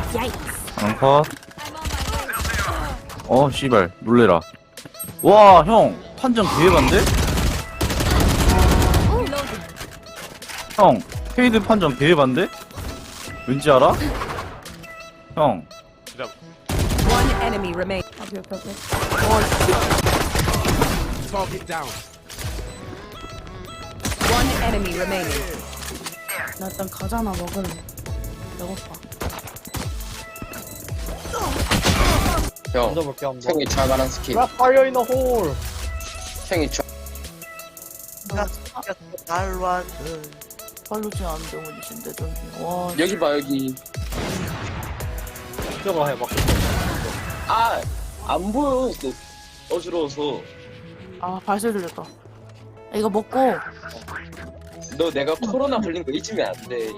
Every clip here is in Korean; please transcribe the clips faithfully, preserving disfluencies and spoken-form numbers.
앙컷. 어 씨발 놀래라. 와 형 판정 개해반데? 형 페이드 판정 개해반데? 왠지 알아? 형 One enemy remain. Target down. One enemy remaining. 나 일단 가자나 먹을래. 배고파. 형, 던져볼게 한번. 형이 잘 말한 스킨. 라 파이어 인 더 홀. 형이 저 달완 발로지 않는데 어디신데 저기. 와. 여기 봐 여기. 저거 해봐. 아, 안 보여. 너 어지러워서. 아 발소리 들렸다. 이거 먹고 너 내가 코로나 걸린 거 잊으면 안 돼.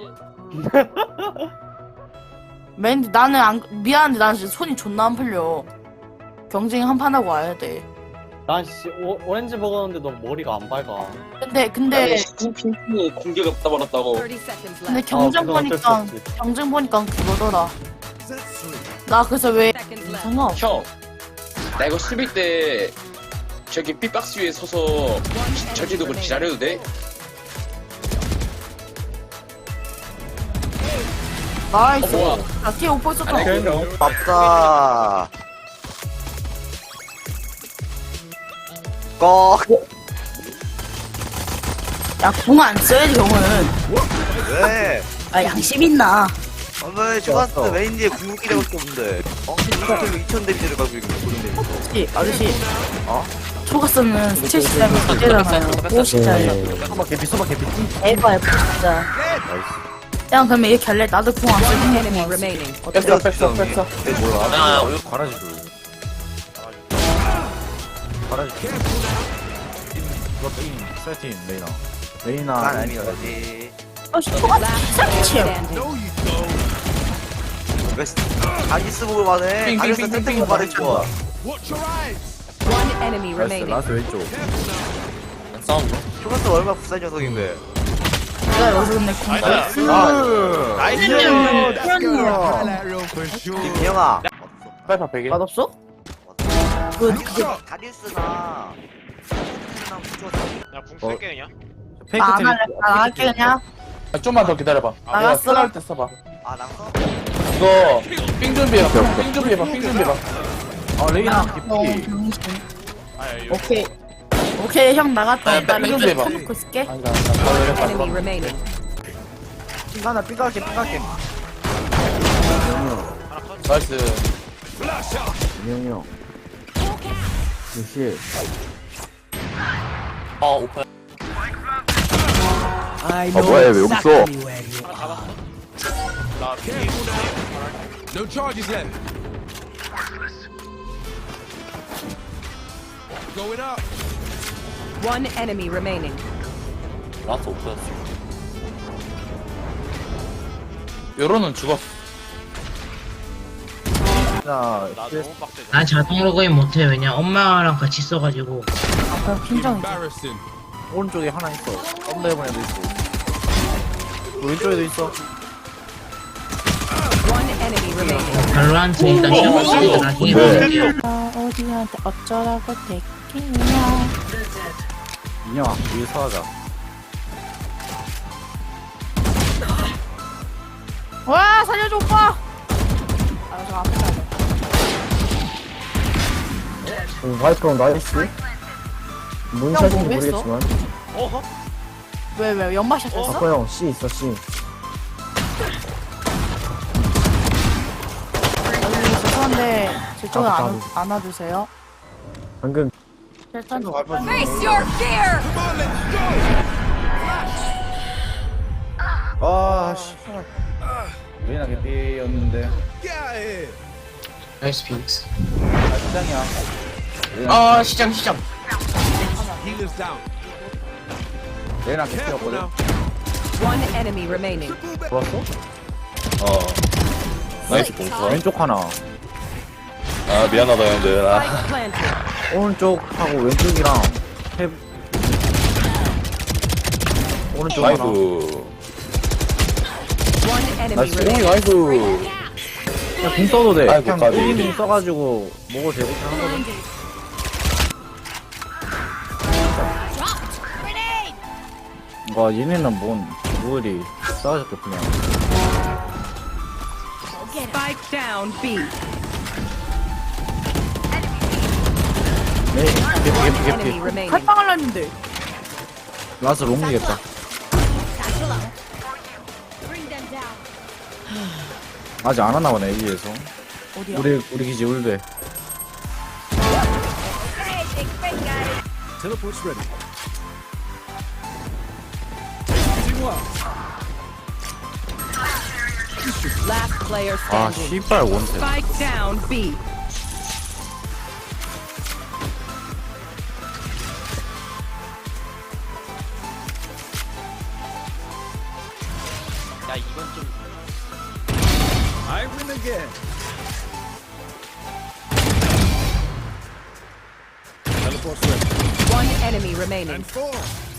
맨 나는 안 미안한데 나는 진짜 손이 존나 안 풀려. 경쟁 한 판 하고 와야 돼. 난 씨, 오, 오렌지 먹었는데 너 머리가 안 밝아. 근데 근데 스킨 핑핑이 공개가 떠버렸다고. thirty seconds 근데 left. 경쟁 아, 그건 어쩔 수 보니까 없지. 경쟁 보니까 그거더라. 나 그래서 왜 Seconds left. 상관없어. 형, 나 이거 수비 때 저기 삐박스 위에 서서 저기도 그 기다려도 돼? 나이스. 어, 뭐야? 나 뒤에 오빠 있었다. 아니, 그럼. 바쁘다 꺼 야공 안 써야지 형은. 왜? 아 양심 있나? 오늘 초가스 메인지에 궁극기력밖에 없는데 엉킨 이사킬로 이천 데미지를 가지고 있는 고른 데미지 아저씨 아저씨. 어? 초가스는 칠십 짜리 가잖아요. 오십 짜리. 소박 개피 소박 개피. 에바야 진짜. 야 그러면 이렇게 할래? 나도 공 안 One 쓰는 enemy 거 remaining. 뺐어 뺐어 뺐어. 몰라. 아 이거 과라지 줄. 과라지. 이거 띵 세팅 메이나. 메이나. 난 아니야지 어 초가스 Last player 쌍치요. standing. 왜 다리스 보고 말해 다리스 땡땡 보고 말해 좋아 Watch your eyes. One enemy 나이스 remaining. 라스 왼쪽. 초가스 얼마나 부산 녀석인데 내가 여기서 근데 공 나이스. 나이스 Highlight reel for sure. 김영아 빼봐 베개. 맛없어? 그 그게 다리스나 야궁 쓸게 그냥. 페이크 안 템. 할래. 안 할게 그냥. 아, 좀만 더 기다려봐. 나갔어. 쓰라할 때 써봐. 아 낭서? 이거 삥 준비해봐. 삥 준비해봐. 삥 준비해봐. 아 레이나 어, 개피. 병신. 아야 이거. 오케이. 오케이 형 나갔다. 아, 나 뺑 이거 좀 해봐. 쳐놓고 있을게. 아니다 아니다. 나 내렸다. Enemy remaining. 핑가나 핑가게 핑가게 나이스. 민영이 형. 역시. 아 오빠. 아 뭐야 왜 여기 있어? 나 피해. No charges left. Going up. One enemy remaining. 나도 없었어. 요로는 죽었어. 나 나 너무 빡세. 난 자동 로그인 못해. 왜냐 엄마랑 같이 써가지고. 아까 긴장. Embarrassing. 오른쪽에 하나 있어. 썸네일본 애도 있고. 왼쪽에도 있어. One enemy remaining. 발로한테 일단 시작했으니까 나중에 볼게요. 아, 어디한테 어쩌라고 대기냐. 민영아 위에 서하자. 와 살려줘 오빠. 아 저 앞에 가야 돼. 와이프랑 나이스. 뭔 샷인지 뭐 했어? 모르겠지만. 어허? 왜왜 연마샷 했어? 형 C 있어 C. 여기 죄송한데 제 쪽에 아, 안, 안아주세요. 방금 일단 Face your fear. 아 씨. 레이나 개피였는데. Get out of here. 나이스 핑스. 아 시장이야. 어 시장 시장. Healers down. 레이나 Careful 개피였거든. now. One enemy remaining. 좋았어? 어 나이스 공수. 왼쪽 하나. 아 미안하다 형들. 아 Spike planted. 오른쪽하고 왼쪽이랑 해. 오른쪽 하나. 나이스. One enemy 나이스. remaining. 나이스. 그냥 공 써도 돼. 아이고, 그냥 까비. 일 인공 써가지고 먹어도 되고 그냥 하거든. 와 얘네는 뭔 뭐리 싸워줬겠구나. Spike down B. 네, 개피 개피 Enemy 개피. remaining. 칼빵을 했는데. 라스 롱이겠다. 아직 안 왔나 보네 A에서. 어디야? 우리 우리 기지 울베. Teleport's ready. Using one. Last player 아 standing. 씨발 원세. Spike down B. 야 이건 좀 I win again. Teleport's ready. One enemy remaining. And four.